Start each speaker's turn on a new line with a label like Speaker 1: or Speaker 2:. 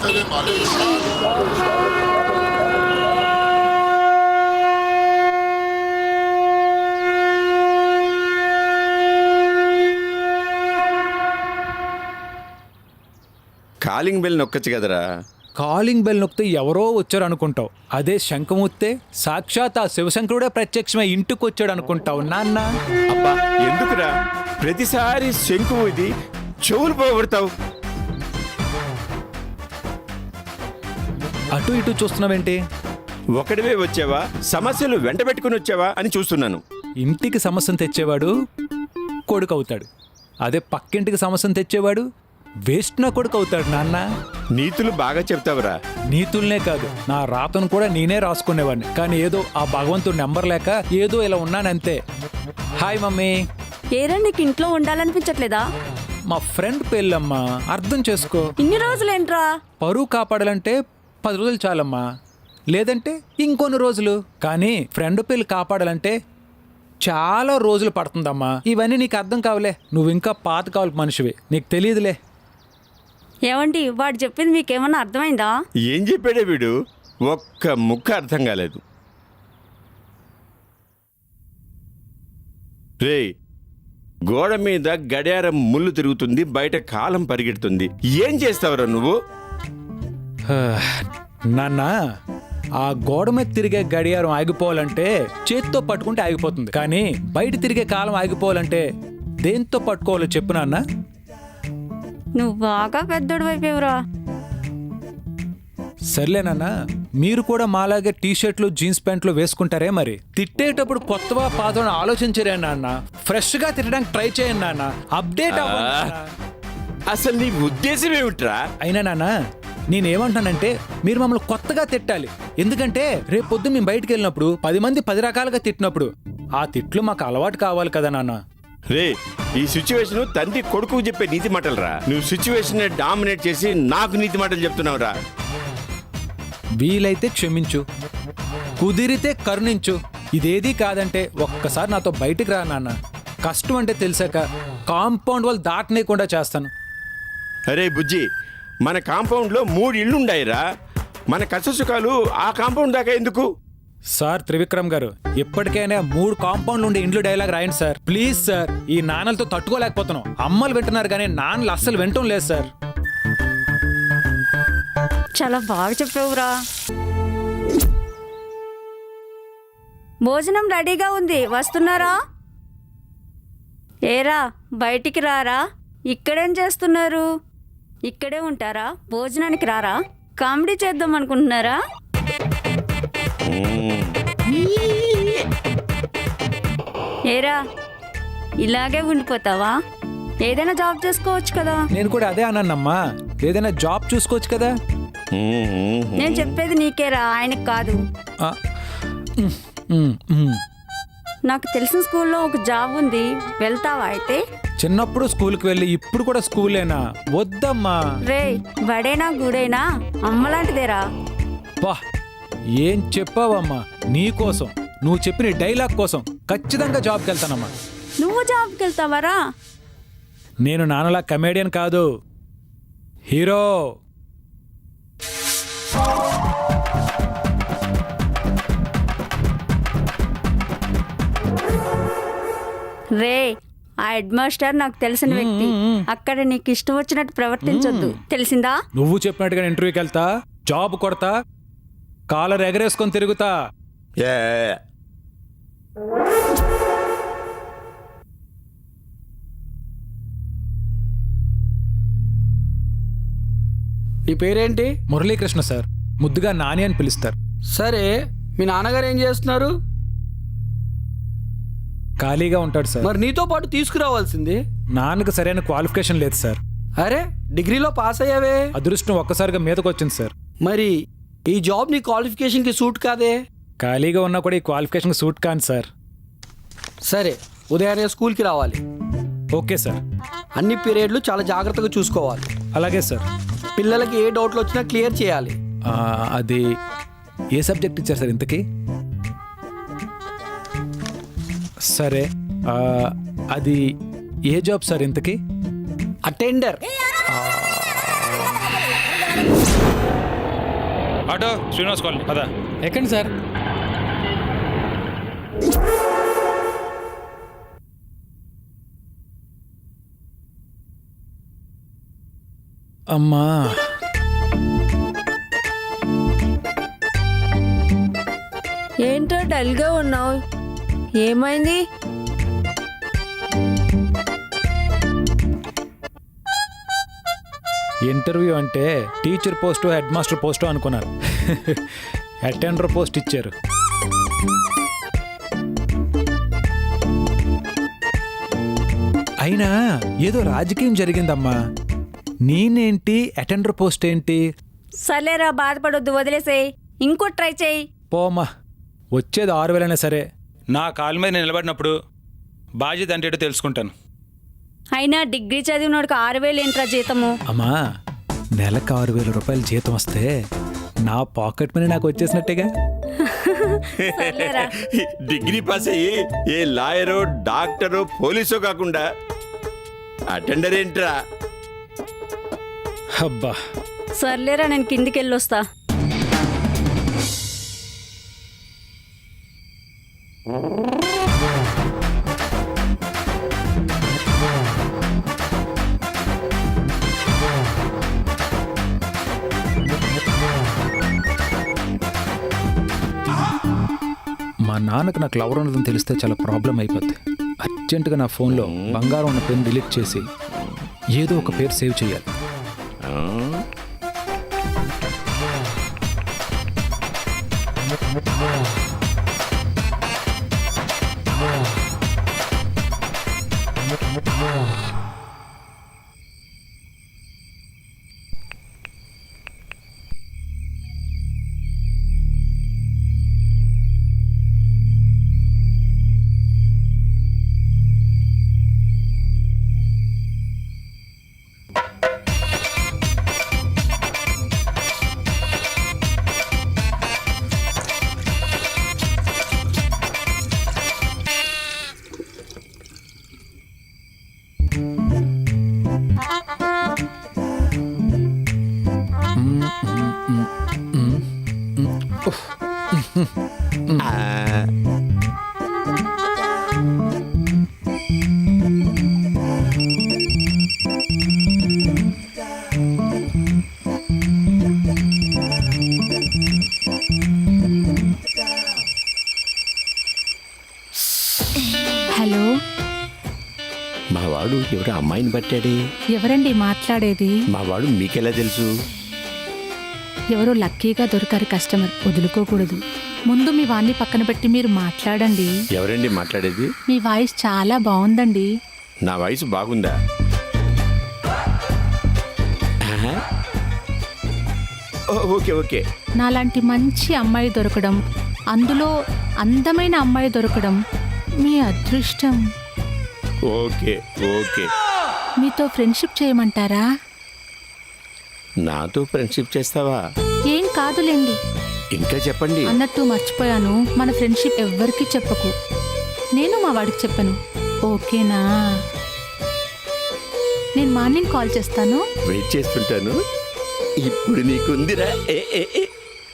Speaker 1: Calling bell నొక్కచ్చు కదరా.
Speaker 2: Calling bell నొక్కితే ఎవరో వచ్చారు అనుకుంటావు. అదే శంఖమూస్తే సాక్షాత్ ఆ శివశంకరుడే ప్రత్యక్షమై ఇంటికి వచ్చాడు అనుకుంటావు నాన్న.
Speaker 1: అబ్బా ఎందుకురా ప్రతిసారి శంకు ఇది చెవులు పోగొడతావు.
Speaker 2: అటు ఇటు చూస్తున్నావేంటి?
Speaker 1: ఒకడివే వచ్చావా, సమస్యలు వెంట పెట్టుకుని వచ్చావా అని చూస్తున్నాను.
Speaker 2: ఇంటికి సమస్యను తెచ్చేవాడు కొడుకు అవుతాడు. అదే పక్కింటికి సమస్యను తెచ్చేవాడు వేస్ట్ నా కొడుకు అవుతాడు నాన్న.
Speaker 1: నీతులు బాగా చెప్తావురా.
Speaker 2: నీతుల్నే కాదు, నా రాతను కూడా నేనే రాసుకునేవాడిని. కానీ ఏదో ఆ భగవంతుడు నెంబర్ లేక ఏదో ఇలా ఉన్నానంతే. Hi mummy.
Speaker 3: ఏరా నీకు ఇంట్లో ఉండాలనిపించట్లేదా?
Speaker 2: మా ఫ్రెండ్ పెళ్ళమ్మా, అర్థం చేసుకో.
Speaker 3: ఇన్ని రోజులేంట్రా?
Speaker 2: పరువు కాపాడాలంటే 10 రోజులు చాలమ్మా, లేదంటే ఇంకొన్ని రోజులు. కానీ ఫ్రెండ్ పెళ్ళి కాపాడాలంటే చాలా రోజులు పడుతుందమ్మా. ఇవన్నీ నీకు అర్థం కావులే, నువ్వు ఇంకా పాత కావాలి మనిషివి, నీకు తెలియదులే.
Speaker 3: ఏమండి వాడు చెప్పింది మీకేమన్నా అర్థమైందా?
Speaker 1: ఏం చెప్పాడే వీడు, ఒక్క ముక్క అర్థం కాలేదు. రే, గోడ మీద గడియారం ముళ్ళు తిరుగుతుంది, బయట కాలం పరిగెడుతుంది. ఏం చేస్తావురా నువ్వు?
Speaker 2: నాన్న, ఆ గోడ మీద తిరిగే గడియారం ఆగిపోవాలంటే చేత్తో పట్టుకుంటే ఆగిపోతుంది. కానీ బయట తిరిగే కాలం ఆగిపోవాలంటే దేంతో పట్టుకోవాలో చెప్పు నాన్న.
Speaker 3: నువ్వు బాగా పెద్దోడు వైపోవురా.
Speaker 2: సర్లేనన్నా, మీరు కూడా మాలాగే టీషర్ట్లు జీన్స్ ప్యాంట్లు వేసుకుంటారే మరి. తిట్టేటప్పుడు కొత్తగా పాతను ఆలోచించరే నాన్న. ఫ్రెష్ గా తిట్టడానికి ట్రై చేయండి నాన్న. అప్డేట్
Speaker 1: అసలు నీ ఉద్దేశం ఏమిట్రా?
Speaker 2: అయినా నాన్న, నేనేమంటానంటే మీరు మమ్మల్ని కొత్తగా తిట్టాలి. ఎందుకంటే రేపు పొద్దు మేము బయటికి వెళ్ళినప్పుడు 10 మంది 10 రకాలుగా తిట్టినప్పుడు ఆ తిట్లు మాకు అలవాటు కావాలి కదా నాన్న.
Speaker 1: రే, ఈ సిచ్యువేషన్ తండ్రి కొడుకు చెప్పే నీతి మాటలు రా. నువ్వు సిచ్యువేషన్ డామినేట్ చేసి నాకు నీతి మాటలు చెప్తున్నావు రా.
Speaker 2: వీలైతే క్షమించు, కుదిరితే కరుణించు. ఇదేదీ కాదంటే ఒక్కసారి నాతో బయటికి రా నాన్న. కష్టం అంటే తెలిసాక కాంపౌండ్ వాళ్ళు దాటనేకుండా చేస్తాను.
Speaker 1: అరే బుజ్జి, మన కాంపౌండ్లో 3 ఇళ్ళు ఉండాయిరా. మన కష్టసుఖాలు ఆ కాంపౌండ్ దాకా ఎందుకు?
Speaker 2: సార్ త్రివిక్రమ్ గారు, ఎప్పటికైనా 3 కాంపౌండ్లు ఉండే ఇంట్లో డైలాగ్ రాయండి సార్, ప్లీజ్ సార్. ఈ నాన్నలతో తట్టుకోలేకపోతున్నాం. అమ్మలు వింటున్నారు కానీ నాన్నలు అస్సలు వింటం లేదు సార్.
Speaker 3: చాలా బాగా చెప్పావురా. భోజనం రెడీగా ఉంది, వస్తున్నారా? ఏరా బయటికి రారా. ఇక్కడేం చేస్తున్నారు? ఇక్కడే ఉంటారా? భోజనానికి రారా? కామెడీ చేద్దాం అనుకుంటున్నారా? ఏరా ఇలాగే ఉండిపోతావా? ఏదైనా జాబ్ చేసుకోవచ్చు కదా.
Speaker 2: నేను కూడా అదే అన్నానమ్మా, ఏదైనా జాబ్ చూసుకోవచ్చు కదా.
Speaker 3: నేను చెప్పేది నీకేరా, ఆయనకు కాదు. నాకు తెలిసిన స్కూల్లో ఒక జాబ్ ఉంది, వెళ్తావా అయితే?
Speaker 2: చిన్నప్పుడు స్కూల్కి వెళ్ళి ఇప్పుడు కూడా స్కూలేనా? వద్దమ్మా.
Speaker 3: రే, బడేనా గుడేనా అమ్మలాంటిదేరా.
Speaker 2: బా, ఏం చెప్పావమ్మా. నీకోసం, నువ్వు చెప్పిన డైలాగ్ కోసం ఖచ్చితంగా జాబ్కి వెళ్తానమ్మా.
Speaker 3: నువ్వు జాబ్కి వెళ్తావరా?
Speaker 2: నేను నాన్నలా కమేడియన్ కాదు, హీరో.
Speaker 3: రే, ఆ హెడ్ మాస్టర్ నాకు తెలిసిన వ్యక్తి. అక్కడ నీకు ఇష్టం వచ్చినట్టు ప్రవర్తించొద్దు, తెలిసిందా?
Speaker 2: నువ్వు చెప్పినట్టుగా ఇంటర్వ్యూకి వెళ్తా, జాబ్ కొడతా, కాలర్ ఎగరేసుకొని తిరుగుతా.
Speaker 4: నీ పేరేంటి?
Speaker 2: మురళీకృష్ణ సార్, ముద్దుగా నాని అని పిలుస్తారు.
Speaker 4: సరే, మీ నాన్నగారు ఏం చేస్తున్నారు?
Speaker 2: ఖాళీగా ఉంటాడు సార్.
Speaker 4: మరి నీతో పాటు తీసుకురావాల్సింది.
Speaker 2: నాన్నకు సరైన క్వాలిఫికేషన్ లేదు సార్.
Speaker 4: అరే, డిగ్రీలో పాస్ అయ్యావే.
Speaker 2: అదృష్టం ఒక్కసారిగా మీదకి వచ్చింది సార్.
Speaker 4: మరి ఈ జాబ్ నీ క్వాలిఫికేషన్కి సూట్ కాదే.
Speaker 2: ఖాళీగా ఉన్నా కూడా ఈ క్వాలిఫికేషన్ సూట్ కాదు సార్.
Speaker 4: సరే, ఉదయాన్నే స్కూల్కి రావాలి.
Speaker 2: Okay sir.
Speaker 4: అన్ని పీరియడ్లు చాలా జాగ్రత్తగా చూసుకోవాలి.
Speaker 2: అలాగే సార్.
Speaker 4: పిల్లలకి ఏ డౌట్లు వచ్చినా క్లియర్ చేయాలి.
Speaker 2: అది ఏ సబ్జెక్ట్ ఇచ్చారు సార్ ఇంతకీ? సరే, అది ఏ జాబ్ సార్ ఇంతకీ?
Speaker 4: అటెండర్.
Speaker 5: ఆటో శ్రీనివాస్ కాలనీ పదా.
Speaker 6: ఎక్కండి సార్.
Speaker 2: అమ్మా,
Speaker 7: ఏంటో డల్గా ఉన్నావు, ఏమైంది?
Speaker 2: ఇంటర్వ్యూ అంటే teacher post head master post అనుకున్నారు. అటెండర్ పోస్ట్ ఇచ్చారు. అయినా ఏదో రాజకీయం జరిగిందమ్మా. నేనేంటి, అటెండర్ పోస్ట్ ఏంటి?
Speaker 3: సర్లేరా, బాధపడొద్దు, వదిలేసేయ్. ఇంకో ట్రై చేయి.
Speaker 2: పోమ్మా, వచ్చేది 6,000 సరే.
Speaker 5: నా కాలు మీద నేను నిలబడినప్పుడు బాధ్యత అంటే ఏంటో తెలుసుకుంటాను.
Speaker 3: అయినా డిగ్రీ చదివినోడికి 6,000 ఏంట్రా జీతము?
Speaker 2: అమ్మా, నెలకు 6,000 రూపాయలు జీతం వస్తే నా పాకెట్ మనీ నాకు వచ్చేసినట్టేగా.
Speaker 3: సర్లేరా.
Speaker 1: డిగ్రీ పాస్ అయ్యి ఏ లాయరో డాక్టరో పోలీసో కాకుండా అటెండర్ ఏంట్రా?
Speaker 2: అబ్బా,
Speaker 3: సర్లేరా, నేను కిందికి వెళ్ళొస్తా.
Speaker 2: మా నాన్నకు నాకు లవర్ ఉన్నదని తెలిస్తే చాలా ప్రాబ్లం అయిపోద్ది. అర్జెంటుగా నా ఫోన్లో బంగారం ఉన్న పెన్ డిలీట్ చేసి ఏదో ఒక పేరు సేవ్ చేయాలి.
Speaker 1: ఆ?
Speaker 8: హలో,
Speaker 1: మా వాడు ఎవరో అమ్మాయిని పట్టాడే.
Speaker 8: ఎవరండి మాట్లాడేది?
Speaker 1: మా వాడు మీకెలా తెలుసు?
Speaker 8: ఎవరో లక్కీగా దొరికారు కస్టమర్, వదులుకోకూడదు. ముందు మీ వాణ్ణి పక్కన పెట్టి మీరు మాట్లాడండి.
Speaker 1: ఎవరండి మాట్లాడేది?
Speaker 8: మీ వాయిస్ చాలా బాగుందండి.
Speaker 1: నా వయసు బాగుందా? ఆహా. Okay okay.
Speaker 8: నాలాంటి మంచి అమ్మాయి దొరకడం, అందులో అందమైన అమ్మాయి దొరకడం మీ అదృష్టం.
Speaker 1: Okay okay.
Speaker 8: మీతో ఫ్రెండ్షిప్ చేయమంటారా?
Speaker 1: నాతో ఫ్రెండ్షిప్ చేస్తావా?
Speaker 8: ఏం కాదులేండి.
Speaker 1: ఇంకా చెప్పండి.
Speaker 8: అన్నట్టు మర్చిపోయాను, మన ఫ్రెండ్షిప్ ఎవ్వరికీ చెప్పకు. నేను మా వాడికి చెప్పను, ఓకేనా? నేను మార్నింగ్ కాల్ చేస్తాను.
Speaker 1: వెయిట్ చేస్తుంటాను. ఇప్పుడు నీకుందిరా. ఏ ఏ ఏ